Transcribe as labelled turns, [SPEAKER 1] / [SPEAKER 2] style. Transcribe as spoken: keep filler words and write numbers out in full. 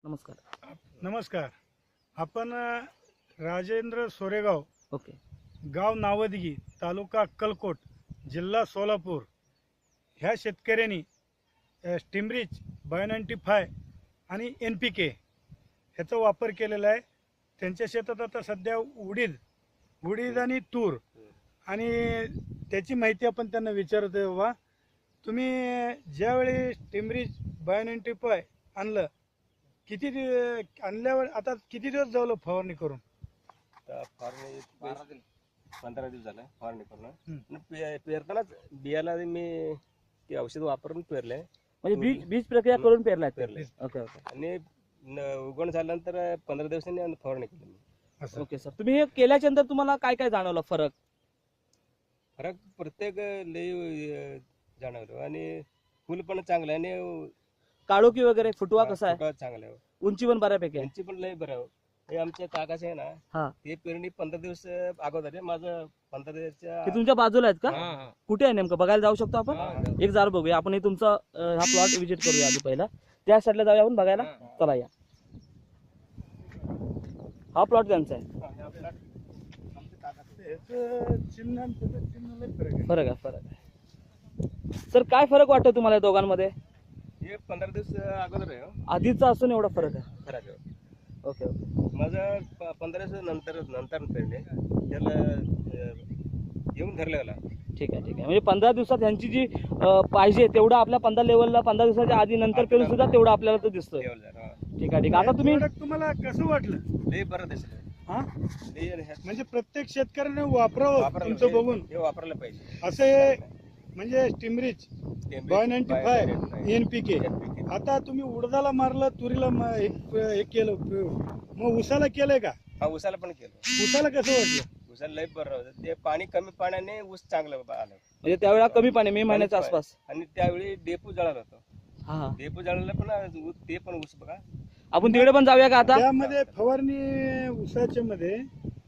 [SPEAKER 1] नमस्कार.
[SPEAKER 2] नमस्कार. आपण अ, राजेंद्र सोरेगाव,
[SPEAKER 1] ओके.
[SPEAKER 2] गाव नावदगी, तालुका अक्कलकोट, जिल्हा सोलापूर ह्या शेतकऱ्यांनी अ, स्टिमरिच बायो नाईन्टी फाय आणि एन पी के ह्याचा वापर केलेला आहे. त्यांच्या शेतात आता सध्या उडीद उडीद आणि तूर आणि त्याची माहिती आपण त्यांना विचारतोय. बाबा, तुम्ही ज्यावेळी स्टिमरिच बायो नाईन्टी फाय आणलं, किती दिव आणल्यावर आता किती दिवस झालं फवारणी करून?
[SPEAKER 3] आता फवारणी बेस- पंधरा दिवस झालं फवारणी करून.
[SPEAKER 2] हम्म.
[SPEAKER 3] आणि पे- पेरतानाच बियाला मी ते औषध वापरून पेरलंय
[SPEAKER 1] म्हणजे बीज बीज प्रक्रिया करून पेरलाय ते?
[SPEAKER 3] पेरलंय
[SPEAKER 1] ओके ओके
[SPEAKER 3] आणि न- उगवण झाल्यानंतर पंधरा दिवसांनी फवारणी केली मी.
[SPEAKER 2] असं
[SPEAKER 1] ओके सर. तुम्ही हे केल्याच्या नंतर तुम्हाला काय काय जाणवलं फरक?
[SPEAKER 3] फरक प्रत्येक लई अं, जाणवलं आणि फुल पण चांगलं आहे आणि
[SPEAKER 1] काळोखी वगैरे फुटवा कसा आहे?
[SPEAKER 3] फुटवा चांगला आहे.
[SPEAKER 1] उंची पण बऱ्यापैकी आहे.
[SPEAKER 3] यांची पण लई बरं आहे. हे आमच्या काकाचे आहे
[SPEAKER 1] हा.
[SPEAKER 3] ना, ते पेरणी पंधरा दिवस अगोदर आहे. माझं पंधरा दिवसाच्या
[SPEAKER 1] ते तुमच्या बाजूला आहेत का?
[SPEAKER 3] हा, हा.
[SPEAKER 1] कुठे आहे नेमकं, बघायला जाऊ शकतो आपण?
[SPEAKER 3] हा,
[SPEAKER 1] एक जार बघूया आपण. हे तुमचा अं, हा प्लॉट विजिट करूया आधी पहिला. त्या साईडला जाऊया आपण बघायला.
[SPEAKER 3] हा.
[SPEAKER 1] चला या. हा प्लॉट त्यांचा आहे.
[SPEAKER 2] ह्याचं चिन्ह आणि त्याचं चिन्ह लय फरक आहे.
[SPEAKER 1] फरक आहे फरक आहे. सर काय फरक वाटतो तुम्हाला या दोघांमध्ये?
[SPEAKER 3] हे पंधरा दिवस अगोदर आहे हो.
[SPEAKER 1] आधीचा असून एवढा फरक आहे?
[SPEAKER 3] फरक आहे.
[SPEAKER 1] Okay okay.
[SPEAKER 3] माझं प- पंधरा दिवस नंतर नंतर पेरले त्याला अं, येऊन धरलेला.
[SPEAKER 1] ठीक आहे ठीक आहे. म्हणजे पंधरा दिवसात ह्यांची जी अं, पाहिजे तेवढं आपल्या पंधरा लेवलला पंधरा दिवसाच्या आधी नंतर पेरून सुद्धा तेवढं आपल्याला तो दिसतोय.
[SPEAKER 3] लेवल झाला. हा.
[SPEAKER 1] ठीक आहे ठीक आहे. आता तुम्ही
[SPEAKER 2] प्रोडक्ट तुम्हाला कसं वाटलं?
[SPEAKER 3] लई बरं दिसलं.
[SPEAKER 2] हा,
[SPEAKER 3] लई ह्या-
[SPEAKER 2] म्हणजे प्रत्येक शेतकऱ्याने वापरावं
[SPEAKER 3] वापरायला
[SPEAKER 2] तुमचं
[SPEAKER 3] पाहिजे.
[SPEAKER 2] बघून.
[SPEAKER 3] हे वापरायला पाहिजे.
[SPEAKER 2] असं हे म्हणजे स्टिमरिच
[SPEAKER 3] ते-
[SPEAKER 2] बायो नाईन्टी
[SPEAKER 3] बाय-
[SPEAKER 2] फाय
[SPEAKER 3] बाय-
[SPEAKER 2] N P K.
[SPEAKER 3] N P K.
[SPEAKER 2] आता तुम्ही उडदाला मारलं, तुरीला मा- हे हे केलं, मग उसाला केलंय का?
[SPEAKER 3] हा, उसाला पण केलं.
[SPEAKER 2] उसाला कसं वाटलं?
[SPEAKER 3] उसाला लई बरं होतं. ते पाणी कमी पाण्याने ऊस चांगलं आलं.
[SPEAKER 1] म्हणजे त्यावेळेला कमी पाणी मे महिन्याच्या
[SPEAKER 3] कमी पाणी.
[SPEAKER 1] आसपास.
[SPEAKER 3] आणि त्यावेळी डेपू जळाला होतो.
[SPEAKER 1] हा हा.
[SPEAKER 3] डेपू जळाला पण ऊस- ते पण ऊस बघा.
[SPEAKER 1] आपण तिकडे पण जाऊया का आता?
[SPEAKER 2] त्यामध्ये फवारणी उसाच्या मध्ये